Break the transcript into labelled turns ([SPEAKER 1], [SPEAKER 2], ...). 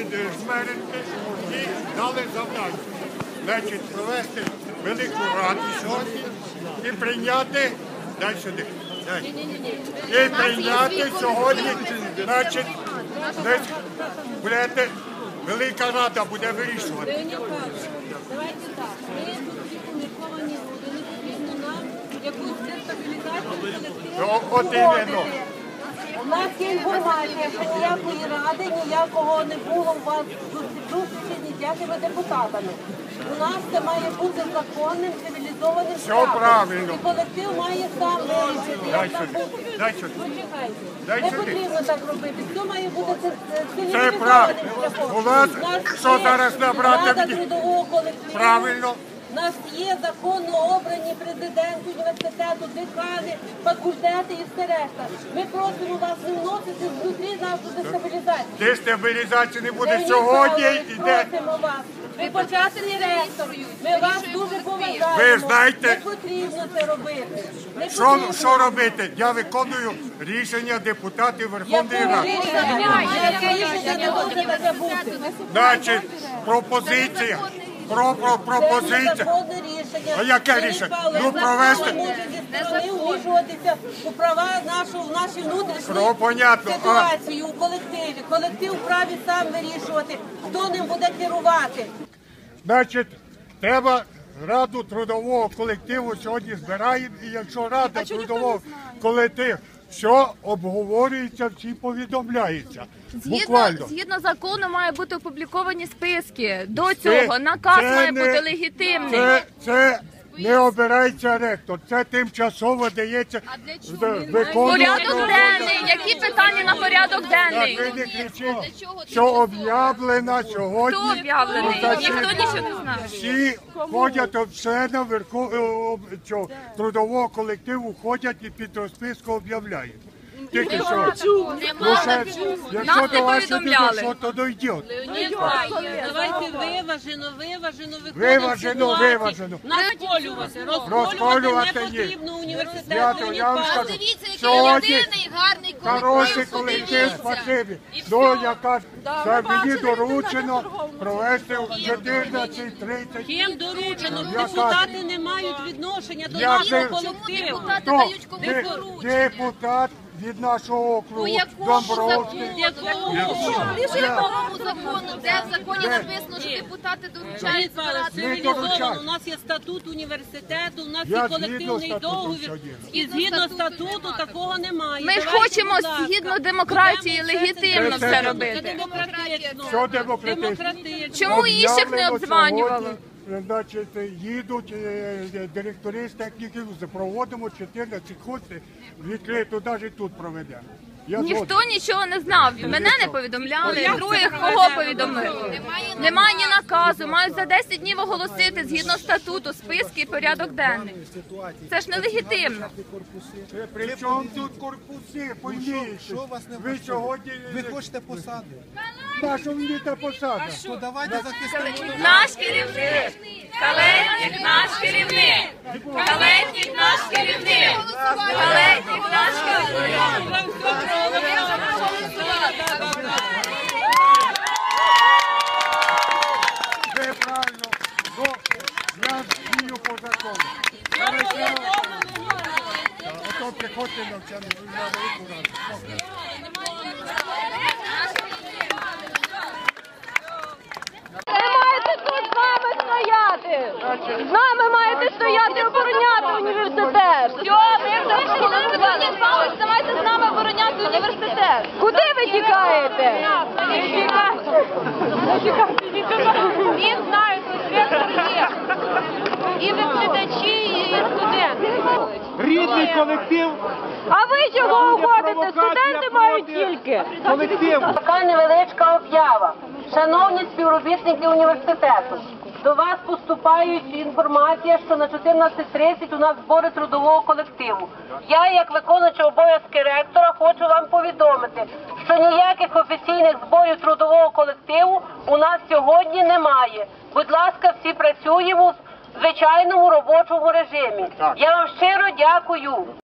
[SPEAKER 1] Жмеренки і дали завдання. Значить, провести велику раду сьогодні і прийняти, дай сюди, дай. І прийняти сьогодні, значить, будете, велика рада буде вирішувати.
[SPEAKER 2] Давайте так, ми всі помірковані люди, не потрібно нам якусь дестабілізацію колективу. У нас є інформація, що ніякої ради, ніякого не було у вас зустрічі з ніякими депутатами. У нас це має бути законним, цивілізованим шляхом. І колектив має сам вирішити, як там бути. Почекайте. Не потрібно так робити. Все має бути цивілізованим шляхом.
[SPEAKER 1] У вас, що зараз набрати?
[SPEAKER 2] Рада трудового колективу.
[SPEAKER 1] Правильно.
[SPEAKER 2] У нас є законно обрані президент університету, декани, факультети і все решта. Ми просимо вас не вносити внутрі нашу дестабілізацію.
[SPEAKER 1] Дестабілізації не буде сьогодні.
[SPEAKER 2] Просимо вас. Ви почесний ректор. Ми вас дуже поважаємо.
[SPEAKER 1] Ви знаєте,
[SPEAKER 2] не потрібно це робити.
[SPEAKER 1] Що робити? Я виконую рішення депутатів Верховної Ради.
[SPEAKER 2] Яке рішення не може таке бути?
[SPEAKER 1] Значить, пропозиція. Пропозиція. А яке рішення? Ну, провести.
[SPEAKER 2] Не вмішуватися у права в наші внутрішні ситуації, у колективі. Колектив вправі сам вирішувати, хто ним буде керувати.
[SPEAKER 1] Значить, треба раду трудового колективу сьогодні збираємо, і якщо рада трудового колективу, все обговорюється, всі повідомляється.
[SPEAKER 3] Згідно закону має бути опубліковані списки. До цього наказ має бути легітимний.
[SPEAKER 1] Це не обирається ректор, це тимчасово дається виконувати.
[SPEAKER 3] Порядок денний. Які питання на порядок денний?
[SPEAKER 1] Ви не кричіть, що об'явлено сьогодні.
[SPEAKER 3] Хто об'явлений? Ніхто нічого не знає.
[SPEAKER 1] Всі ходять, члени трудового колективу ходять і під розписку об'являють. Тільки що. Якщо до вас не що, то дойде.
[SPEAKER 2] Давайте виважено
[SPEAKER 1] Виважено. Розколювати не потрібно університету. Я вам скажу, сьогодні хороший колектив, спасибі. Ну, яка це мені доручено провести в 14:30.
[SPEAKER 2] Ким доручено? Депутати не мають відношення до нашого колективу.
[SPEAKER 1] Депутат від нашого округу, Домбровський.
[SPEAKER 3] Якому закону? Де в законі написано, що депутати доручають збирати?
[SPEAKER 2] У нас є статут університету, у нас є колективний договір. І згідно статуту такого немає.
[SPEAKER 3] Ми ж хочемо згідно демократії легітимно все робити.
[SPEAKER 1] Що демократично?
[SPEAKER 3] Чому інших не обдзванювало?
[SPEAKER 1] Значить, їдуть директори з техніків, проводимо 14 курсів, відкрито, навіть тут проведемо.
[SPEAKER 3] Ніхто нічого не знав, мене не повідомляли, других кого повідомили. Немає ні наказу, мають за 10 днів оголосити згідно статуту, списки і порядок денний. Це ж нелегітимно.
[SPEAKER 1] При чому тут корпуси, пойміть? Ви сьогодні...
[SPEAKER 4] Ви хочете посаду?
[SPEAKER 1] Нашу мені та посада?
[SPEAKER 4] То давайте захистимо.
[SPEAKER 3] Наш керівник, Калетник наш керівник, Калетник наш керівник, Калетник наш керівник.
[SPEAKER 1] Ви правильно, бо я дію по закону. Ото приходьте навчання, на велику раду.
[SPEAKER 3] Ви маєте тут з нами стояти! З нами маєте стояти і обороняти університет! Все, ми вирішили, давайте з нами обороняти університет! Куди ви тікаєте? Всі знають, що ректор є. І викладачі, і студенти.
[SPEAKER 4] Рідний колектив.
[SPEAKER 3] А ви чого уходите? Студенти мають тільки.
[SPEAKER 2] Така невеличка об'ява. Шановні співробітники університету, до вас поступає інформація, що на 14:30 у нас збори трудового колективу. Я, як виконуючий обов'язки ректора, хочу вам повідомити, що ніяких офіційних зборів трудового колективу у нас сьогодні немає. Будь ласка, всі працюємо в звичайному робочому режимі. Я вам щиро дякую.